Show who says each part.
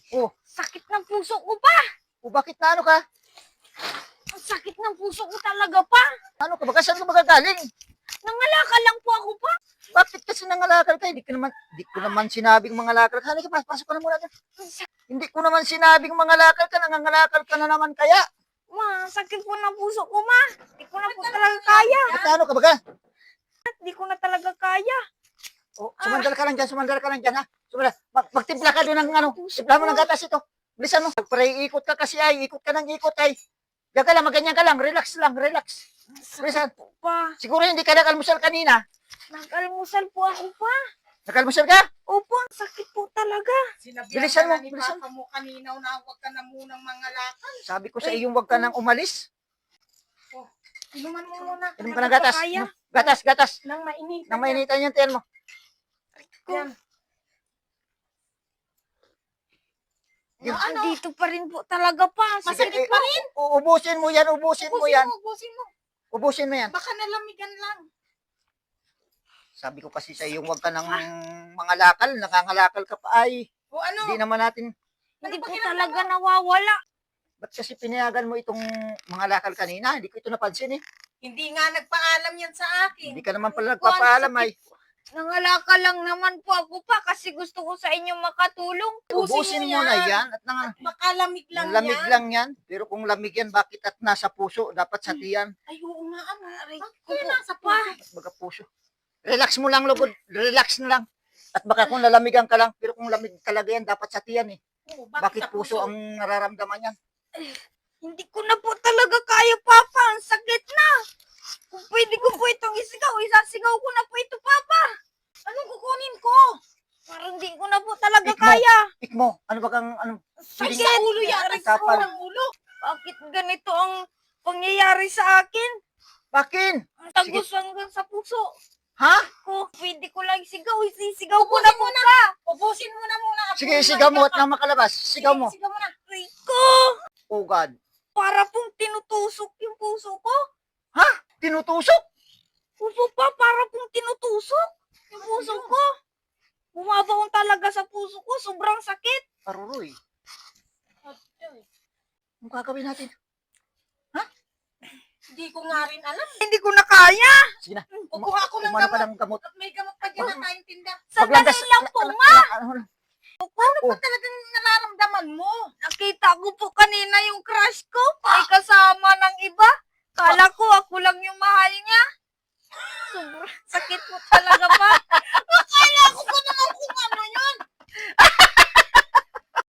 Speaker 1: Oh,
Speaker 2: Sakit ng puso ko pa.
Speaker 1: bakit na ano ka?
Speaker 2: Ang sakit ng puso ko talaga pa.
Speaker 1: Ano ka ba? Saan ka magagaling?
Speaker 2: Nangalakal lang po ako pa.
Speaker 1: Bakit kasi nangalakal ka? Di ko naman sinabing mangalakal ka. Halika, pasok ka na muna dyan. Hindi ko naman sinabing mangalakal ka. Nangangalakal ka na naman kaya.
Speaker 2: Ma, sakit po ng puso ko, ma. Di ko na po talaga kaya.
Speaker 1: Ba't ano ka ba?
Speaker 2: Di ko na talaga kaya.
Speaker 1: Oh, sumandal ka lang dyan, ha? Magtimpla ka doon ng ano, timpla mo ng gatas ito. Bilisan mo. Pagpare, ikot ka kasi ay, ikot ka ng ikot ay. Diyan ka lang, maganyan ka lang, relax lang, relax. Bilisan.
Speaker 2: Po pa.
Speaker 1: Siguro hindi ka nakalmusal kanina.
Speaker 2: Nag-almusal po ako pa.
Speaker 1: Nakalmusal ka?
Speaker 2: Opo, ang sakit po talaga.
Speaker 3: Sinabihan
Speaker 1: Bilisan
Speaker 3: ka
Speaker 1: mo,
Speaker 3: na ni
Speaker 1: bilisan.
Speaker 3: Papa mo kanina na huwag ka na munang mangalakal.
Speaker 1: Sabi ko sa iyong huwag ka nang umalis.
Speaker 3: Oh, inuman mo muna.
Speaker 1: Inom ka ng gatas.
Speaker 2: Kaya.
Speaker 1: Gatas, gatas.
Speaker 3: Nang mainit.
Speaker 1: Nang mainitan yung tiyan mo.
Speaker 3: Yan.
Speaker 2: Dito pa rin po talaga pa. Ang
Speaker 1: Sige,
Speaker 2: sakit pa rin.
Speaker 1: ubusin mo yan, ubusin mo yan.
Speaker 3: Ubusin mo.
Speaker 1: Ubusin mo yan.
Speaker 3: Baka nalamigan lang.
Speaker 1: Sabi ko kasi sa iyong huwag ka nang mangalakal, nakangalakal ka pa ay.
Speaker 3: O ano?
Speaker 1: Hindi naman natin,
Speaker 2: Hindi po talaga nawawala.
Speaker 1: ba't kasi pinayagan mo itong mangalakal kanina? Hindi ko ito napansin eh.
Speaker 3: Hindi nga nagpaalam yan sa akin.
Speaker 1: Hindi ka naman pala nagpapaalam ay.
Speaker 2: Nangalakal lang naman po ako pa kasi gusto ko sa inyo makatulong.
Speaker 1: Ubusin mo na yan at
Speaker 3: Baka lamig lang
Speaker 1: lamig
Speaker 3: yan.
Speaker 1: lang yan. Pero kung lamig yan, bakit at nasa puso? Dapat sa tiyan.
Speaker 3: Ay, oo nga. Ano? Aray,
Speaker 2: Opo,
Speaker 3: nasa
Speaker 2: pa.
Speaker 3: puso.
Speaker 1: Baga puso. Relax mo lang, lugod. Relax na lang. At baka kung lalamigan ka lang, pero kung lamig talaga yan, dapat sa tiyan eh.
Speaker 3: Oo,
Speaker 1: Bakit
Speaker 3: sa
Speaker 1: puso ang nararamdaman yan?
Speaker 2: Hindi ko na po talaga kaya, Papa. Ang sakit na. Kung pwede ko po itong isigaw, isasigaw ko na po ito, Papa.
Speaker 3: Anong kukunin ko?
Speaker 2: Parang hindi ko na po talaga
Speaker 1: Ikmo.
Speaker 2: kaya.
Speaker 1: Ikmo, ano ba kang, ano?
Speaker 3: Ay,
Speaker 2: Sakit.
Speaker 3: sa ulo yan. Aray, sa
Speaker 1: Kapal.
Speaker 3: ng ulo.
Speaker 2: Bakit ganito ang pangyayari sa akin?
Speaker 1: Bakin?
Speaker 2: Ang tagos hanggang sa puso
Speaker 1: Ha?
Speaker 2: ko. Pwede ko lang isigaw, isisigaw ko na po ka.
Speaker 3: Ubusin mo na muna.
Speaker 1: Sige, sigaw mo at nang makalabas. Sigaw mo.
Speaker 3: Sigaw mo na.
Speaker 2: Rico,
Speaker 1: Oh God.
Speaker 2: para pong tinutusok yung puso ko.
Speaker 1: Ha? Tinutusok?
Speaker 2: Opo pa, para pong tinutusok yung puso ko. Bumabaon talaga sa puso ko, sobrang sakit.
Speaker 1: Aruroy. Anong gagawin natin?
Speaker 3: Hindi ko nga rin alam.
Speaker 2: Hindi ko na kaya.
Speaker 1: Sige na.
Speaker 3: Kukuha ako ng
Speaker 1: Umano ka
Speaker 3: gamot.
Speaker 1: ng gamot.
Speaker 3: At may gamot pa dyan na tayong tinda.
Speaker 2: Sandali lang po, ma.
Speaker 3: Ano
Speaker 1: Oh.
Speaker 3: ba talagang nararamdaman mo?
Speaker 2: Nakita ko po kanina yung crush ko. May kasama ng iba. Kala ko ako lang yung mahal niya. Sobrang sakit po talaga pa.
Speaker 3: Akala ko pa naman kung ano yun.